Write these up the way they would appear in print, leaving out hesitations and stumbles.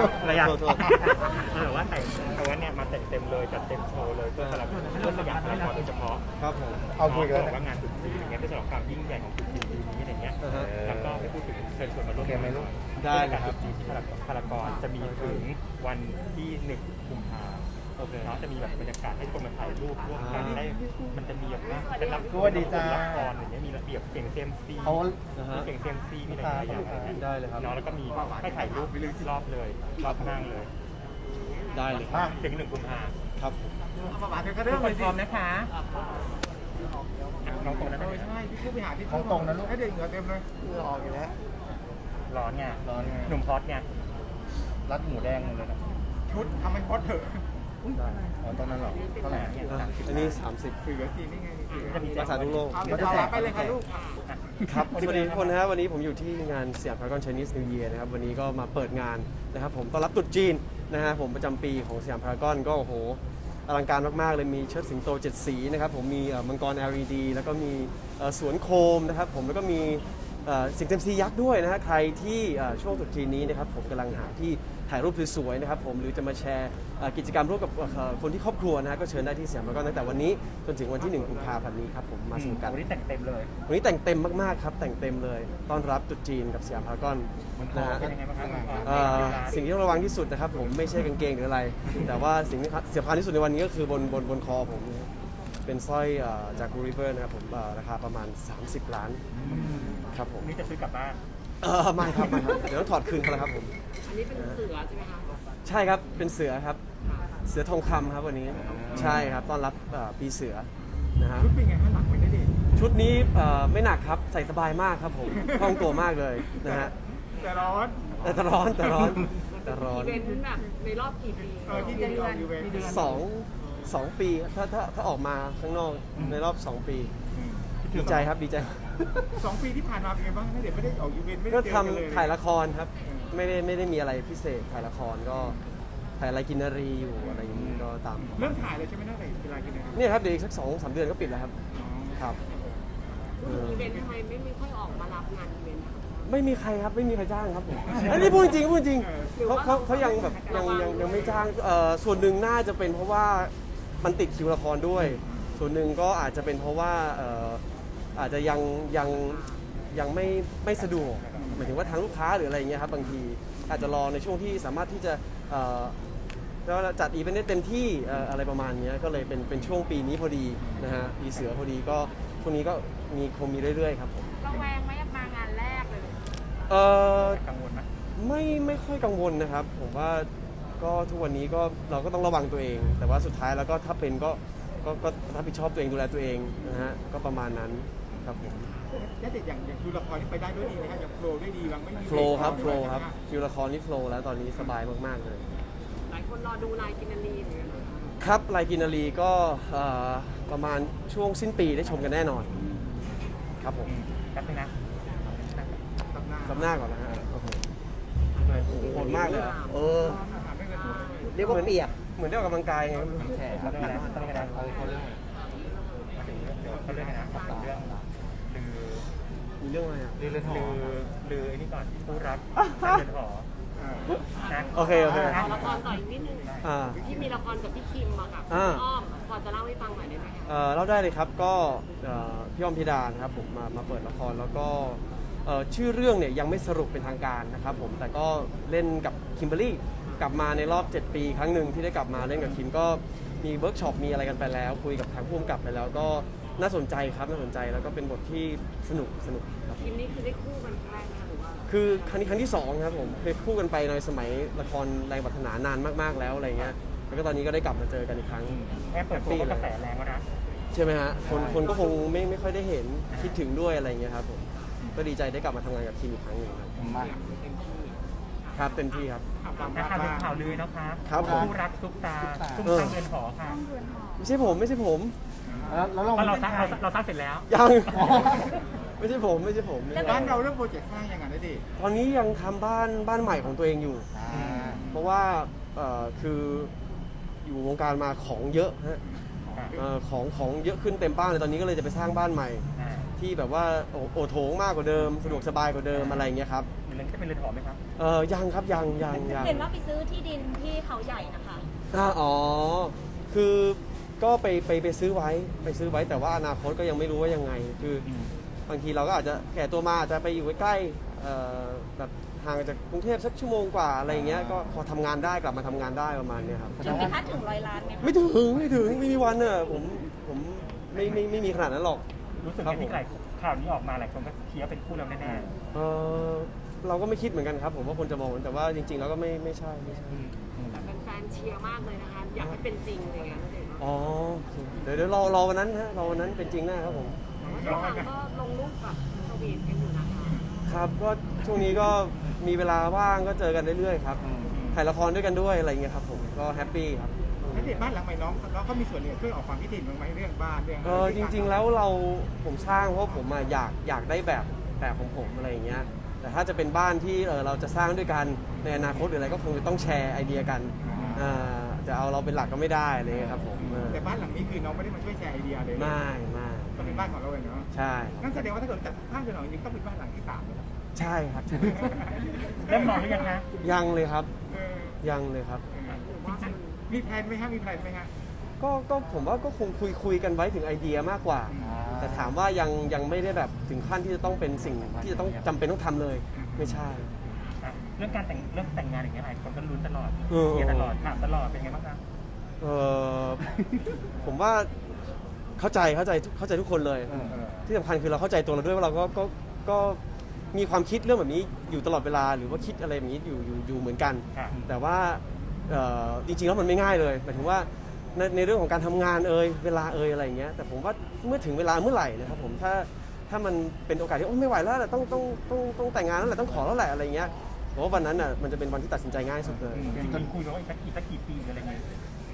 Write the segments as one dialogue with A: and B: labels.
A: ระยะ
B: โทษ
A: ว่าแต่ว่าเนี่ยมาเต็มเลยจัดเต็มโชว์เลยเพื่อสำหรับเพื่อสยามพารากอนโดยเฉพาะ
B: ครับผม
C: เอาคุยกัน
A: บ
C: แล้ว
A: อกว่างานตรุษจีนอย่างเงี้ยเพื่อฉลองความยิ่งใหญ่ของตรุษจีนปีนี้อะไรเงี้ยแล้วก็ไม่พูดถึงเชิญชวนมาร่วมงานหน่อย
B: ได้เลย
A: การ
B: ค
A: ต
B: รั
A: รุ
B: บ
A: ษจีนที่พารากอนจะมีถึงวันที่1 กุมภาพันธ์
B: โอเค
A: เนาะจะมีแบบบรรยากาศให้คนมาถ่ายรูปร่วมกันได้มันจะมีแบบว่าเป็นรับ
C: สวัสดีจ้า
A: ละครอย่างเงี้ยมีระเบียบเก่งเซมซี
C: เอา
A: มีเก่งเซมซีมีอะไรหลายอย่างอะไรเงี้ย
B: ได้เลยครับ
A: เนาะแล้วก็มีให้ถ่ายรูปรอบเลยรอบห้างเลย
B: ได้เลย
C: มา
A: ถึง1 กุมภาพันธ์
B: ครับ
A: ทุกคนพร้อมนะคะน้องตรงนั้นได้ไหม
D: ใช่พี่ผู้บริหารที่
C: ของตรงนะลูก
D: ให้เด็กเหงื่อเต็มเลย
C: เหงื่อออกอยู่แล้ว
A: ร้อนไง
C: ร้อนไง
A: หนุ่มพอดไง
C: รัดหมูแดงหมดเลยนะ
D: ชุดทำให้พอดเถอะ
C: ได้อ๋อตอนนั้นเหรอเท่าไหร่
B: อันนี้ 30
D: สื่อสีนี่ไงสื่อ
A: จะมี
B: รักษาทุกโรค
D: เอาเดี๋ยวเราไปเลยค่ะลูก
B: ครับสวัสดีทุกคนนะฮะวันนี้ผมอยู่ที่งานสยามพารากอน Chinese New Year นะครับวันนี้ก็มาเปิดงานนะครับผมต้อนรับตรุษจีนนะฮะผมประจำปีของสยามพารากอนก็โอ้โหอลังการมากๆเลยมีเชิดสิงโต7 สีนะครับผมมีมังกร LED แล้วก็มีสวนโคมนะครับผมแล้วก็มีสิ่งเต็มซียักษ์ด้วยนะฮะใครที่ช่วงตรุษจีนนี้นะครับผมกำลังหาที่ถ่ายรูปสวยๆนะครับผมหรือจะมาแชร์กิจกรรมร่วมกับคนที่ครอบครัวนะฮะก็เชิญได้ที่สยามพารากอนตั้งแต่วันนี้จนถึงวันที่1 กุมภาพันธ์นี้ครับผมมาสนุกกัน
A: วันนี้แต่งเต็มเลย
B: วันนี้แต่งเต็มมากๆครับแต่งเต็มเลยต้อนรับตรุษจีนกับสยามพารากอนนะฮะ
A: เป็นยังไงบ้างครับ
B: สิ่งที่ต้องระวังที่สุดนะครับผมไม่ใช่กางเกงหรืออะไร แต่ว่าสิ่งที่เสียพานที่สุดในวันนี้ก็คือบนคอผมเป็นสร้อยจากกูริเวอร์นะครับผมราคาประมาณ30 ล้านครับผม
A: นี่จะซื้อกลับบ้าน
B: ไม่ครับไม่ครับเดี๋ยวต้องถอดคืนเขาแล้วครับผม
E: อันนี้เป็นเสือใช่ไหมคะ
B: ใช่ครับเป็นเสือครับเสือทองคำครับวันนี้ใช่ครับต้อนรับปีเสือนะฮะ
D: ชุดเป็นไงข้างหลังไม่ได้ดิ
B: ชุดนี้ไม่หนักครับใส่สบายมากครับผมคล่องตัวมากเลยนะฮะ
D: แต่ร้อน
B: แต่ร้อนแต่ร้อนแต่ร้อน
E: อีเวนต์แบบในรอบกี่ปี
D: ที่จะออกอยู่เวร
B: สองปีถ้าออกมาข้างนอกในรอบ 2 ปีดีใจครับดีใจ
D: 2 ปีที่ผ่านมาเป็นไงบ้างเด็กไม่ได้ออกอีเวนต์ไม่ได้
B: ก็
D: เจอ
B: ทำ
D: กันเลย
B: ถ่ายละครครับไม่ได้มีอะไรพิเศษถ่ายละครก็ถ่ายอะไรกินนารีอยู่อะไรอย่างนี้ก็ตาม
D: เริ่มถ่ายเลยใช่ไหมตั้งแต่เวลากินนะครับ
B: เนี่ยครับเดี๋ยวอีกสัก2-3 เดือนก็ปิดแล้วครับครับ
E: พูดถึงอีเวนต์ทำไมไม่ค่อยออกมารับงานอีเวนต์คะ
B: ไม่มีใครครับไม่มีใครจ้างครับผมอันนี้พูดจริงพูดจริงเขายังแบบยังไม่จ้างส่วนหนึ่งน่าจะเป็นเพราะว่ามันติดคิวละครด้วย ส่วนหนึ่งก็อาจจะเป็นเพราะว่าอาจจะยังไม่สะดวกหมายถึงว่าทางลูกค้าหรืออะไรอย่างเงี้ยครับบางทีอาจจะรอในช่วงที่สามารถที่จะแล้วจัดอีเวนต์ได้เต็มที่อะไรประมาณนี้ก็เลยเป็นช่วงปีนี้พอดีนะฮะปีเสือพอดีก็ช่วงนี้ก็คงมีเรื่อยๆครับผม
E: ระแวงไหมมางานแรกเลย
A: กังวลไหม
B: ไม่ค่อยกังวลนะครับ ผมว่าก็ทุกวันนี้ก็เราก็ต้องระวังตัวเอง แต่ว่าสุดท้ายแล้วก็ถ้าเป็นก็รับผิดชอบตัวเองดูแลตัวเองนะฮะก็ประมาณนั้นครับผม
D: แล้วเด็กอย่างดูละครที่ไปได้ด้วยดีนะครับอย่างโฟล์ได้ดีบางไม่มี
B: โฟล์ครับคิวละครนี่โฟล์แล้วตอนนี้สบายมากๆเลย
E: หลายคนรอดูลายกินนารีเหมือนกันนะคะ
B: ครับลายกินนารีก็ประมาณช่วงสิ้นปีได้ชมกันแน่นอนครับผม
A: แป๊บนึงนะ
B: กำหน้าก่อนนะฮะโอ้โหโหดมากเลยอะเรียกว่าเปียกเหมือนได้ออกกำลังกายไง
A: แฉเขาเรื่องอะไรต้องเรื่องอะไรเขาเรื่องมาถึงเรื่องเขาเรื่องอะไรนะเรื่องลือ
B: มีเรื่องอะไรอ่ะ
A: ลือไอ้นี่ก่อนผู้รักเรือนหอนะ
B: โอเค
E: เอาละครต่ออีกนิดนึง
B: อ่า
E: ที่มีละครกับพี่คิมอะค่ะ
B: อ่า
E: พี่อ้อมพอจะเล่าให้ฟังหน่อยได้ไหมคะ
B: เล่าได้เลยครับก็พี่อ้อมพิดานะครับผมมาเปิดละครแล้วก็ชื่อเรื่องเนี่ยยังไม่สรุปเป็นทางการนะครับผมแต่ก็เล่นกับคิมเบอรรี่กลับมาในรอบ 7 ปีครั้งหนึ่งที่ได้กลับมาเล่นกับคิมก็มีเวิร์กช็อปมีอะไรกันไปแล้ว คุยกับทางผู้กำกับไปแล้วก็น่าสนใจครับน่าสนใจแล้วก็เป็นบทที่สนุกครับ
E: คิมนี่คือได้คู่กันครั้งแรกนะคะหรือว่า
B: คือครั้งที่2ครับผมเคยคู่กันไปในสมัยละครแรงปรารถนานานมากๆแล้วอะไรเงี้ยแล้วก็ตอนนี้ก็ได้กลับมาเจอกันอีกครั้ง
A: แค่เปิดตัวก็กระแสแรงแล้วนะ
B: ใช่ไหมฮะคนก็คงไม่ค่อยได้เห็นคิดถึงด้วยอะไรเงี้ยครับผมก็ดีใจได้กลับมาทำงานกับทีมอีกครั้งหนึ่งครับ
C: มา
B: ครับเต็มที่ครับ
A: นะคะเป็นข่าวลือนะคะ
B: ครับผม
A: ผู้รักซุปตาซุปตาเรือนหอค่ะ
B: ไม่ใช่ผม
C: แล้วเรา
A: เพราะเราสร้างเสร็จแล้ว
B: ยัง ไม่ใช่ผม
D: บ้านเราเริ่มโปรเจกต์สร้างยังไงได้ดิ
B: ตอนนี้ยังทำบ้านใหม่ของตัวเองอยู่ เพราะว่าคืออยู่วงการมาของเยอะฮะของเยอะขึ้นเต็มบ้านเลยตอนนี้ก็เลยจะไปสร้างบ้านใหม่ ที่แบบว่าโอโถงมากกว่าเดิมสะดวกสบายกว่าเดิมอะไรอย่างเงี้ยครับ
D: อยู่เลยจะเป็นเรือนหอไหมครับ
B: ยังครับยัง
F: เห็นว่าไปซื้อที่ดินที่เขาใหญ่นะคะ
B: อ๋อคือก็ไปซื้อไว้แต่ว่าอนาคตก็ยังไม่รู้ว่ายังไงคือบางทีเราก็อาจจะแก่ตัวมาอาจจะไปอยู่ใกล้ๆแบบห่างจากกรุงเทพสักชั่วโมงกว่าอะไรอย่างเงี้ยก็พอทำงานได้กลับมาทำงานได้ประมาณเนี้ยครับ
F: ถึงไหมคะถึง100 ล้านไหมคะ
B: ไม่ถึงไม่มีวันเนอะผมไม่มีขนาดนั้นหรอก
D: รู้สึกยังไงที่ข่าวนี้ออกมาหลายคนก็เชียร์เป็นคู่เราแน่
B: เราก็ไม่คิดเหมือนกันครับผมว่าคนจะมองแต่ว่าจริงๆแล้วก็ไม่ใช่
E: แต่แฟนๆเชียร์มากเลยนะคะ อยากให้เป็นจริงอะไรเงี้ยเด็ก
B: อ๋อเดี๋ยวรอวันนั้นฮะรอวันนั้นเป็นจริงแน่ครับผม
E: แต่ว่าทุกครั้งก็ลงรูปแบบสวีทกันอยู่นะคะ
B: ครับก็ช่วงนี้ก็มีเวลาว่างก็เจอกันเรื่อยๆครับถ่ายละครด้วยกันด้วยอะไรอย่างเงี้ยครับผมก็แฮปปี้ครับ
D: ๆแล้วเด็กบ้านหลังใหม่น้องเขามีส่วนเนี่ยช่วยออกความคิดเห็นบ้างไหมเรื่องบ้านเรื่อง
B: จริงๆแล้วผมสร้างเพราะผมอยากได้แบบของผมอะไรอย่างเงี้ยแต่ถ้าจะเป็นบ้านที่เราจะสร้างด้วยกันในอนาคตหรืออะไรก็คงจะต้องแชร์ไอเดียกันจะเอาเราเป็นหลักก็ไม่ได้อะไรเลยครับผม
D: แต่บ้านหลังนี้คือน้องไม่ได้มาช่วยแชร์ไอเดียเลย
B: ไม่
D: ก็เป็นบ้านของเราเองเนาะ
B: ใช่
D: นั่นแสดงว่าถ้าเกิดจัดสร้างเรือนหอจริงๆต้องเป็นบ้านหลังที่3เลยนะ
B: ใช่ครับ
D: เริ่มมองหรือยังฮะ
B: ยังเลยครับ
D: เออ
B: ยังเลยครับ
E: หรือว่ามัน
D: มีแพลนไหมฮะมีแพลนไหมฮะ
B: ก็ผมว่าก็คงคุยกันไว้ถึงไอเดียมากกว่า แต่ถามว่ายังไม่ได้แบบถึงขั้นที่จะต้องเป็นสิ่งที่จะต้องจำเป็นต้องทำเลยไม่ใช่
D: เรื่องแต่งงานอย่างเงี้ยหลายคนก็ลุ้นตลอด
B: เออ
D: เชียร์ตลอดถามตลอดเป็นไงบ้างครับ
B: เออผมว่าเข้าใจทุกคนเลย ที่สำคัญคือเราเข้าใจตัวเราด้วยว่าเราก็มีความคิดเรื่องแบบนี้อยู่ตลอดเวลาหรือว่าคิดอะไรแบบนี้อยู่เหมือนกัน
D: ค่ะ
B: แต่ว่าจริงๆแล้วมันไม่ง่ายเลยหมายถึงว่าในเรื่องของการทำงานเวลาอะไรอย่างเงี้ยแต่ผมว่าเมื่อถึงเวลาเมื่อไหร่นะครับผมถ้ามันเป็นโอกาสที่โอ้ไม่ไหวแล้วแหละต้องแต่งงานแล้วแหละต้องขอแล้วแหละอะไรเงี้ยผมว่าวันนั้นอ่ะมันจะเป็นวันที่ตัดสินใจง่ายสุดเลย
D: จนคุยกันว่าอีกสักกี่ปีอะไรเงี้ย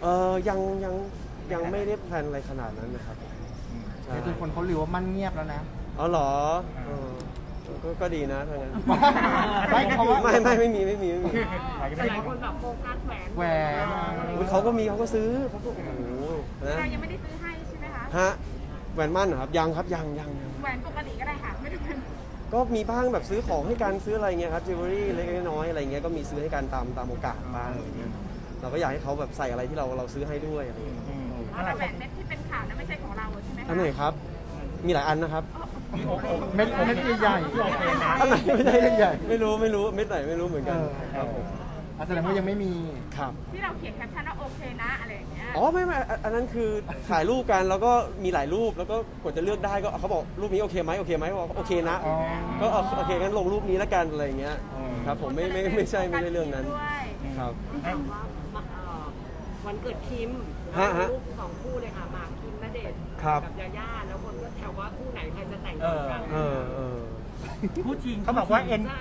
B: ยังไม่ได้แพลนอะไรขนาดนั้นนะครับใช่
C: จนคนเขาลือว่ามั่นเงียบแล้วนะ
B: อ๋อเหรอก็ดีนะถ้างั้น
C: ไม่เพราะว่า
B: ไม่มี
E: แต่หลายคนแบบโฟกัสแหวน
C: แหวน
B: อุ๊ยเขาก็ซื้อเขาก็โอ้โหนะ
F: เรายังไม่ได้ซื้อให้ใช่ไหมคะ
B: ฮะแหวนมั่นเหรอครับยังครับยัง
F: แหวนปกติก็ได้ค่ะไม่ต้องเป็น
B: ก็มีบ้างแบบซื้อของให้กันซื้ออะไรเงี้ยครับจิวเวลรี่เล็กๆน้อยๆอะไรเงี้ยก็มีซื้อให้กันตามโอกาสบ้างอะไรเงี้ยเราก็อยากให้เขาแบบใส่อะไรที่เราซื้อให้ด้วยอะไรเงี้ย
F: แล้วแหวนเม็ดที่เป็นข่าวนั้นไม่ใช่ของเราใช่ไหมคะ
B: อันไหนครับมีหลายอันนะครับ
C: เม็ดใหญ่
B: อันไหนไม่ได้
C: ใหญ่
B: ไม่รู้เม็ดไหนไม่รู้เหมือนกันครับผม
C: แสดงว่ายังไม่มี
B: ครับ
F: ที่เราเขียนแคปชั่นว่าโอเคนะอะไรอย่างเงี้ย
B: อ๋อไม่อันนั้นคือถ่ายรูปกันแล้วก็มีหลายรูปแล้วก็กดจะเลือกได้ก็เขาบอกรูปนี้โอเคไหมบอกโอเคนะ
C: อ๋อ
B: ก็โอเคงั้นลงรูปนี้แล้วกันอะไรอย่างเงี้ยครับผมไม่ใช่เรื่องนั้น
F: ด้วย
B: ครับ
E: ถามว่าวันเกิดคิม
B: ฮะ
E: รูป2 คู่เลยค่ะหมากคิมณเดชน์
B: ครับ
E: กับยาย่าแล้วคนก็แถวว่าคู่ไหนใครจะแต่งก่อนกัน
B: เออ
D: คู่จริงเขาบอกว่า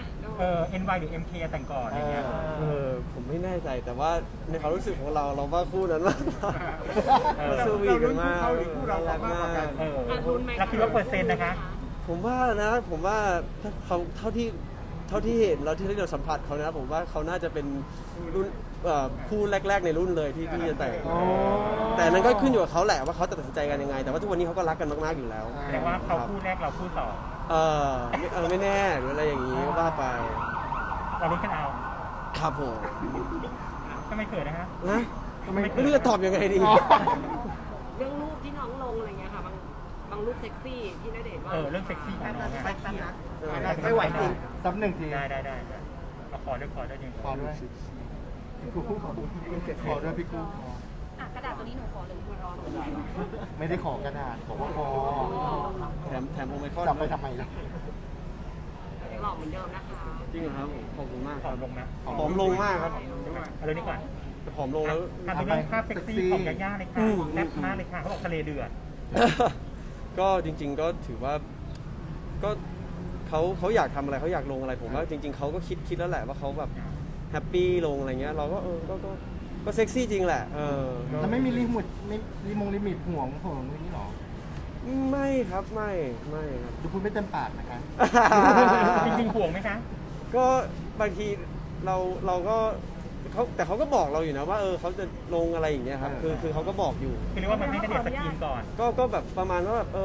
D: NY หรือ MK แต่งก่อนอะไรเงี้ย
B: ผมไม่แน่ใจแต่ว่าในความรู้สึกของเราว่าคู่นั้นมากกว่าสวีทกันมาก
D: เราลุ้นคู่เขาหรือคู่เรามากกว่ากัน
E: ลุ้นไหม
D: แล้วคิดว่าเปอร์เซ็นต์นะคะ
B: ผมว่าถ้าเขาเท่าที่เห็นแล้วที่เราสัมผัสเขานะผมว่าเขาน่าจะเป็นรุ่นคู่แรกๆในรุ่นเลยที่จะแต่ง
C: อ๋อ
B: แต่นั้นก็ขึ้นอยู่กับเขาแหละว่าเขาจะตัดสินใจกันยังไง แต่ว่าทุกวันนี้เขาก็รักกันมากๆอยู่แล้ว
D: แสดงว่าเขาคู่แรกเราคู่สอง
B: ไม่แน่หรืออะไรอย่างนี้ก็ว่าไป
D: เราลุ้นกันเอา
B: ครับผม
D: ก็ไม่เขินนะฮะ
B: นะไม่รู้จะตอบยังไงดี
E: เรื่องรูปที่น้องลงอะไรเงี้ยค่ะบางรูปเซ็กซี่ที่ณเดชน์ว่า
D: เรื่องเซ็กซี่ของน้อง
E: แป๊บนะ
C: ไม่ไหวจริงซับหนึ่งที
D: ได้เอาขอด้วยยัง
C: ขอด้วยพี่กูขอด้วยพี่กู
F: อ่ะกระดาษตัวนี้หนูขอเลยคุณรอหนู
C: ไม่ได้ขอกระดาษขอว่าขอ
B: แถมโอไมคอน
C: จับไปทำไมล่ะ
E: ยังหล่อเหมือนเดิมนะคะ
B: จริงเหรอครับผมขอบคุณมาก
D: ข
B: ค
D: อ
B: รับ
D: ลงนะ
B: ผอมลงมากครับ
D: เอาเรื่องนี้ก่อน
B: ผอมลงแล้ว
D: ทำในเรื่องภาพเซ็กซี่ของยาย่าเลยค่ะแซ่บมากเลยค่ะเขาบอกทะเลเดือด
B: ก็จริง ๆ ก็ถือว่าก็เขาอยากทำอะไรเขาอยากลงอะไรผมว่าจริง ๆเขาก็คิดแล้วแหละว่าเขาแบบแฮปปี้ลงอะไรเงี้ยเราก็ก็เซ็กซี่จริงแหละก็
C: แล้วไม่มีลิมิตห่วงผมอย่างนี้หรอ
B: ไม่ครับไม่ครับ
C: ดูพูดไม่เต็มปากนะคะ
D: จริงๆห่วงไหมคะ
B: ก็บางทีเราก็แต่เขาก็บอกเราอยู่นะว่าเขาจะลงอะไรอย่างเงี้ยครับคือเขาก็บอกอยู่
D: คือเรียกว่ามันไม่ได้เดือดสกรีนก่อน
B: ก็แบบประมาณว่าแบบ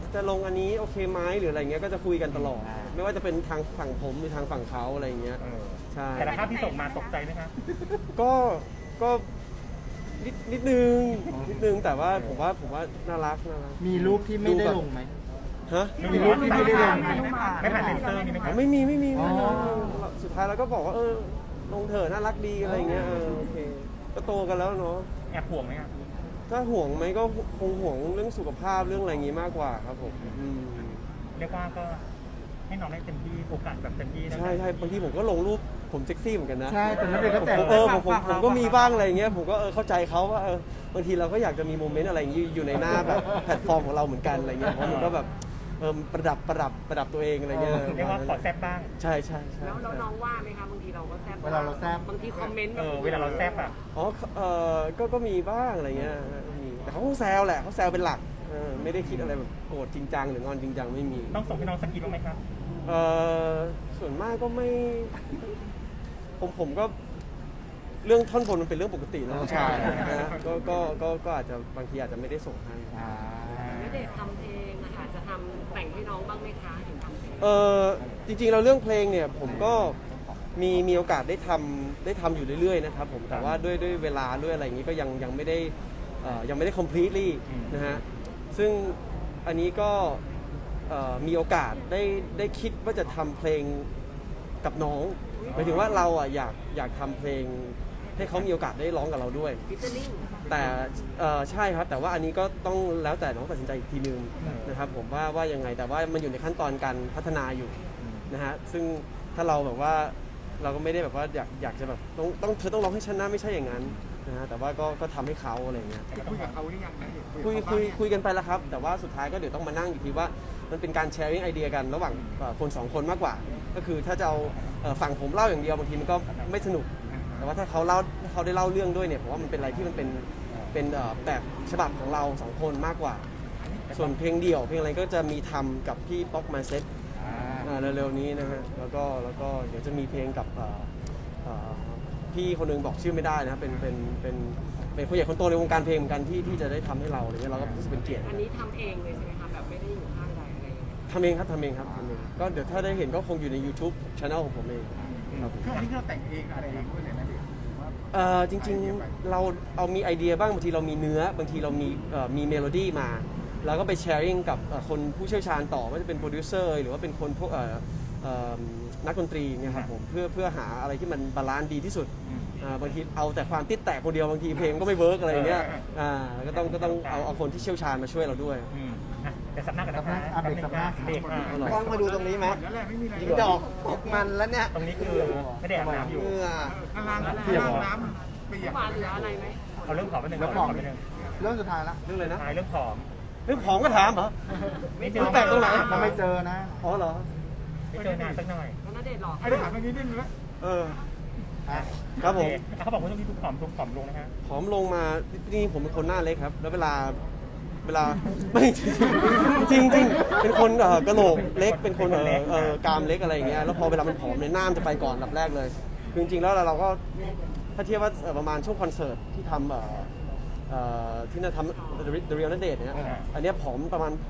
B: จะลงอันนี้โอเคไหมหรืออะไรเงี้ยก็จะคุยกันตลอด ไม่ว่าจะเป็นทางฝั่งผมหรือทางฝั่งเขาอะไรเงี้ย
D: เออ
B: ใช่
D: แต่ละภาพที่ส่งมาตกใจไหมคะ
B: ก็นิดนึงแต่ว่าผมว่าน่ารัก
C: มีรูปที่ไม่ได้ลงไหม
B: ฮะ
C: มีรูปที่ไม่ได้ลง
D: ไม่ผ่านเซ็นเซอร์มีไหม
B: อ๋
D: คะ
B: อไม่มี
C: อ๋อ
B: สุดท้ายเราก็บอกว่าลงเถอะน่ารักดีอะไรเงี้ยโอเคก็โตกันแล้วเนาะ
D: แอบห่วงไหมคะ
B: ถ้าห่วงไหมก็คงห่วงเรื่องสุขภาพเรื่องอะไรอย่างงี้มากกว่าครับผม
D: เรียกว่าก็ให้น้องได้เต็มที่โอกาสแบบเต็มที่
B: ใช่บางทีผมก็ลงรูปผมเซ็กซี่เหมือนกันนะ
C: ใช่แต่นั่นเองก็แต่ง
B: ผมก็มีบ้างอะไรอย่างเงี้ยผมก็เข้าใจเขาว่าบางทีเราก็อยากจะมีโมเมนต์อะไรอย่างงี้อยู่ในหน้าแบบแพลตฟอร์มของเราเหมือนกันอะไรเงี้ยเพราะมันก็แบบประดับตัวเองอะไรเงี้ย
D: เรียกว่าขอแซ่บบ้าง
B: ใช่
E: แล้วน้องว่าไหมคะบางทีเราก็แซ่บ
C: เวลาเราแซ่บ
E: บางทีคอมเมนต์
D: เวลาเราแซ่บอ่ะ
B: อ๋อก็มีบ้างอะไรเงี้ยมีแต่เขาคงแซวแหละเขาแซวเป็นหลักไม่ได้คิดอะไรแบบโกรธจริงจังหรืองอนจริงจังไม่มี
D: ต้องส่งให้น้องสกรีนบ้างไหมครับ
B: ส่วนมากก็ไม่ผมก็เรื่องท่อนบนมันเป็นเรื่องปกตินะผู้ชายนะก็อาจจะบางทีอาจจะไม่ได้ส่งให้
E: ณเดชน์ทำเพลงนะคะจะทำแต่งให้น้องบ้างไหมคะเห็นทำเพลง
B: จริงๆเราเรื่องเพลงเนี่ยผมก็มีโอกาสได้ทำอยู่เรื่อยๆนะครับผมแต่ว่าด้วยเวลาด้วยอะไรอย่างนี้ก็ยังไม่ได้ completely นะฮะซึ่งอันนี้ก็มีโอกาสได้คิดว่าจะทำเพลงกับน้องหมายถึงว่าเราอ่ะอยากทำเพลงให้เขามีโอกาสได้ร้องกับเราด้วย
E: ฟิชเชอร์ลิง
B: แต่ใช่ครับแต่ว่าอันนี้ก็ต้องแล้วแต่น้องตัดสินใจอีกทีนึงนะครับผมว่ายังไงแต่ว่ามันอยู่ในขั้นตอนการพัฒนาอยู่นะฮะซึ่งถ้าเราแบบว่าเราก็ไม่ได้แบบว่าอยากจะแบบเธอต้องร้องให้ฉันนะไม่ใช่อย่างนั้นนะฮะแต่ว่าก็ทำให้เขาอะไรอย่างเงี้ย
C: คุยกับเขาหรือยังนะ
B: คุยกันไปแล้วครับแต่ว่าสุดท้ายก็เดี๋ยวต้องมานั่งอีกทีว่ามันเป็นการแชร์ไอเดียกันระหว่างคนสองคนมากกว่าก็คือถ้าจะเอาฝั่งผมเล่าอย่างเดียวบางทีมันก็ไม่สนุกแต่ว่าถ้าเขาได้เล่าเรื่องด้วยเนี่ยผมว่ามันเป็นอะไรที่มันเป็นแบบฉบับของเราสองคนมากกว่าส่วนเพลงเดี่ยวเพลงอะไรก็จะมีทำกับพี่ป๊อกมาเซ็ตเร็วๆนี้นะฮะแล้วก็เดี๋ยวจะมีเพลงกับพี่คนนึงบอกชื่อไม่ได้นะเป็นคนใหญ่คนโตในวงการเพลงเหมือนกันที่จะได้ทำให้เราอะไรเงี้ยเราก็รู้สึกเป็นเกียรติ
E: อันนี้ทำเองเลยใช่ไหมคะแบบไม่ได้อยู่ข้างใดอะไรอย่างเงี้ย
B: ทำเองครับก็เดี๋ยวถ้าได้เห็นก็คงอยู่ใน YouTube Channel ของผมเองครับ
C: ช่วงนี้เราแต่งเองอะไรเองด้วยเลยนะเด็ก
B: จริงๆเราเอามีไอเดียบ้างบางทีเรามีเนื้อบางทีเรามีเมโลดี้มาแล้วก็ไปแชร์ริ่งกับคนผู้เชี่ยวชาญต่อว่าจะเป็นโปรดิวเซอร์หรือว่าเป็นคนพวกนักดนตรีเนี่ยครับผมเพื่อหาอะไรที่มันบาลานซ์ดีที่สุดบางทีเอาแต่ความติดแตกคนเดียวบางทีเพลงก็ไม่เวิร์กอะไรอย่างเงี้ยก็ต้องเอาคนที่เชี่ยวชาญมาช่วยเราด้วย
D: เดี๋ยวสับหน้ากันนะคะ
C: เบรกสับหน้า
D: เบรกค่ะ
C: กล้องมาดูตรงนี้ไหมยิงดอกตกมันแล้วเนี่ย
D: ตรงนี้คือไม่ได้อาบน้ำอยู่
C: เหงื่อ
E: ข้างล่างน้ำเปียกมาเหลืออะไรไหม
D: เอาเรื่องผอมไปหนึ่ง
C: แล้วผอมเรื่องสุดท้ายละ
B: เรื่องอะไรนะ
D: ท้ายเรื่องผอม
B: เรื่องของก็ถามเหรอ
D: ไม่เจ
B: มันแตกตรงไหน
C: เราไม่เจอนะ
B: อ๋อเหรอ
D: ไม่เจอนานสักหน่อย
E: แล้วณเดชน์หรอ
C: ไอ้เรื่องถามตรงนี้นิดนึงนะ
B: ครับผม
D: เขาบอกว่าช่วงนี้ดูผอมลงนะฮะ
B: ผอมลงมาจริงๆผมเป็นคนหน้าเล็กครับ แล้วเวลาไม่จริงเป็นคนกระโหลกเล็กเป็นคนกรามเล็กอะไรอย่างเงี้ยแล้วพอเวลามันผอมเนี่ยหน้ามันจะไปก่อนอันดับแรกเลยคือจริงๆแล้วเราก็ถ้าเทียบว่าประมาณช่วงคอนเสิร์ตที่ทำที่น่าทำ The Real ณเดชน์เนี่ยอันเนี้ยผอมประมาณ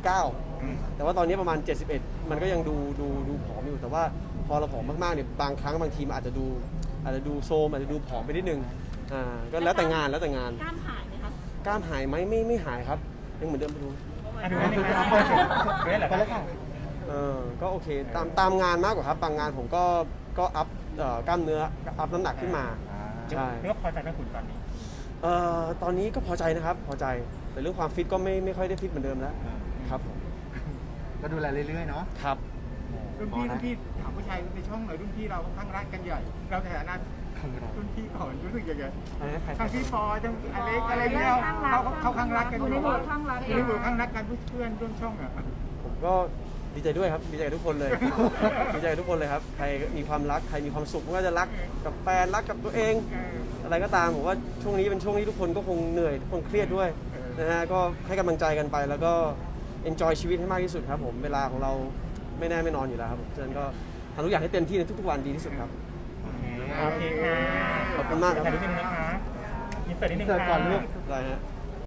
B: 69แต่ว่าตอนนี้ประมาณ71มันก็ยังดูผอมอยู่แต่ว่าพอเราผอมมากๆเนี่ยบางครั้งบางทีมันอาจจะดูโซมอาจจะดูผอมไปนิดนึงก็แล้วแต่งาน
F: กล้ามหายไหมคะ
B: กล้ามหายไหมไม่หายครับยังเหมือนเดิมไปดู
D: ดูได้ไหมครับดูได้เหรอครับ
B: ก็โอเคตามงานมากกว่าครับบางงานผมก็อัพกล้ามเนื้ออัพน้ำหนักขึ้นมาใช่
D: เรื่องพอใจไหมคุณตอนนี้
B: ตอนนี้ก็พอใจนะครับพอใจแต่เรื่องความฟิตก็ไม่ค่อยได้ฟิตเหมือนเดิมแล้วครับผม
C: ก็ดูแลเรื่อยๆเนาะ
B: ครับ
G: รุ่นพี่ถามผู้ชายในช่องหน่อยรุ่นพี่เราข้างรักกันใหญ่เราในฐานะรุ่นพี่ก่อนรู้สึกยังไงทั้งพี่ปอทั้งอเล็กอะไรเงี้ยเขาข้างรักกันอยู่ในหมู่ข้างรักกันเพื่อนร่วมช่องอ่ะ
B: ผมก็ดีใจด้วยครับดีใจกับทุกคนเลย ดีใจกับทุกคนเลยครับใครมีความรักใครมีความสุขไม่ว่าจะรักกับแฟนรักกับตัวเอง อะไรก็ตามผมว่าช่วงนี้เป็นช่วงที่ทุกคนก็คงเหนื่อยทุกคนเครียดด้วยนะฮะก็ให้กำลังใจกันไปแล้วก็ enjoy ชีวิตให้มากที่สุดครับผมเวลาของเราไม่แน่ไม่นอนอยู่แล้วครับฉะนั้นก็ทำทุกอย่างให้เต็มที่ในทุกๆวันดีที่สุดครับ
D: โอเคค่ะ
B: ขอบคุณมากครับ
D: ถ่ายรูปนิดนึงนะคะอินเสิร์ตนิดนึง
C: อินเสิร์ตก่
D: ค่ะ
C: อนลูก
B: ได้ฮะ